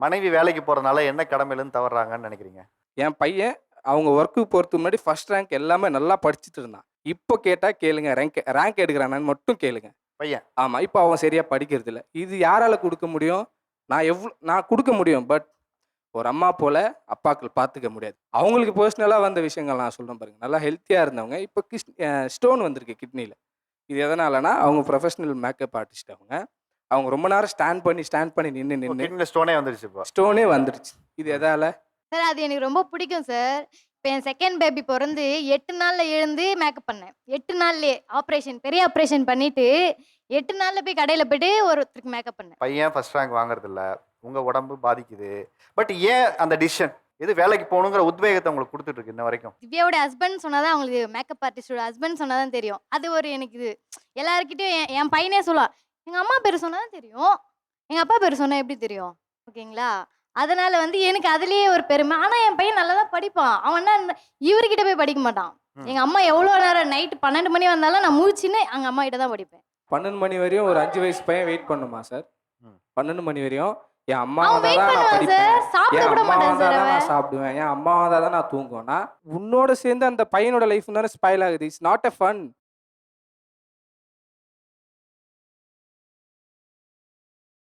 மனைவி வேலைக்கு போறதுனால என்ன கடமையிலேருந்து தவறுறாங்கன்னு நினைக்கிறீங்க? என் பையன் அவங்க ஒர்க்குக்கு போறதுக்கு முன்னாடி ஃபர்ஸ்ட் ரேங்க் எல்லாமே நல்லா படிச்சுட்டு இருந்தான். இப்போ கேட்டா கேளுங்க. ரேங்க் ரேங்க் எடுக்கிறானான்னு மட்டும் கேளுங்க. பையன். ஆமா. இப்போ அவன் சரியா படிக்கிறது இல்ல. இது யாரால குடுக்க முடியும்? நான் குடுக்க முடியும். பட் ஒரு அம்மா போல அப்பாக்கள் பார்த்துக்க முடியாது. அவங்களுக்கு பெர்சனலா வந்த விஷயங்கள் நான் சொல்றேன் பாருங்க. நல்லா ஹெல்த்தியா இருந்தவங்க. இப்போ ஸ்டோன் வந்திருக்கு கிட்னில. இது எதனாலனா அவங்க ப்ரொஃபஷனல் மேக்கப் ஆர்டிஸ்ட் அவங்க. அவங்க ரொம்ப நேரம் ஸ்டாண்ட் பண்ணி நின்னு கிட்னில ஸ்டோனே வந்துருச்சு இப்போ. ஸ்டோனே வந்துருச்சு. இது எதால? சார் அது எனக்கு ரொம்ப பிடிக்கும் சார். இப்ப என் செகண்ட் பேபி பொறந்து 8 நாள்ல எழுந்து மேக்கப் பண்ணேன். 8 நாள்லயே பெரிய ஆப்ரேஷன் பண்ணிட்டு 8 நாள்ல போய் கடையில போயிட்டு ஒருத்தருக்கு மேக்கப் பண்ணேன். பையன் ஃபர்ஸ்ட் ரேங்க் வாங்குறது இல்ல. உங்க உடம்பு பாதிக்குது. பட் ஏன் அந்த டிசிஷன்? இது வேலைக்கு போகணுங்கிற உத்வேகத்தை உங்களுக்கு கொடுத்துட்டு இருக்கு இன்ன வரைக்கும். திவ்யாவோட ஹஸ்பண்ட் சொன்னாதான் அவங்களுக்கு மேக்கப் ஆர்டிஸ்டோட ஹஸ்பண்ட் சொன்னாதான் தெரியும். அது ஒரு எனக்கு இது எல்லார்கிட்டயும் என் பையனே சொல்லுவான். எங்க அம்மா பேர் சொன்னாதான் தெரியும். எங்க அப்பா பேர் சொன்னா எப்படி தெரியும்? ஓகேங்களா? அதனால வந்து எனக்கு அதுலயே ஒரு பெருமை. ஆனா என் பையன் நல்லா தான் படிப்பான். அவன் என்ன இவர்கிட்ட போய் படிக்க மாட்டான். எங்க அம்மா எவ்வளவு நேரம் நைட் 12 மணி வந்தாலும் நான் முழிச்சுன்னு எங்க அம்மா கிட்ட தான் படிப்பேன். 12 மணி வரையும் ஒரு 5 வயசு பையன் வெயிட் பண்ணுமா சார்? 12 மணி வரையும் என் அம்மா அவன் வந்தா வெயிட் தான் நான் பண்ணுவான் படிப்பேன். சார். சாப்பிட என் கூட அம்மா மாட்டான் வந்தா சார் தான் அவன். நான் சாப்பிடுவேன். என் அம்மா வந்தா தான் நான் தூங்குவேன்னா, உன்னோட சேர்ந்து அந்த பையனோட லைஃப் தானே ஸ்பாயில் ஆகுது. It's not a fun.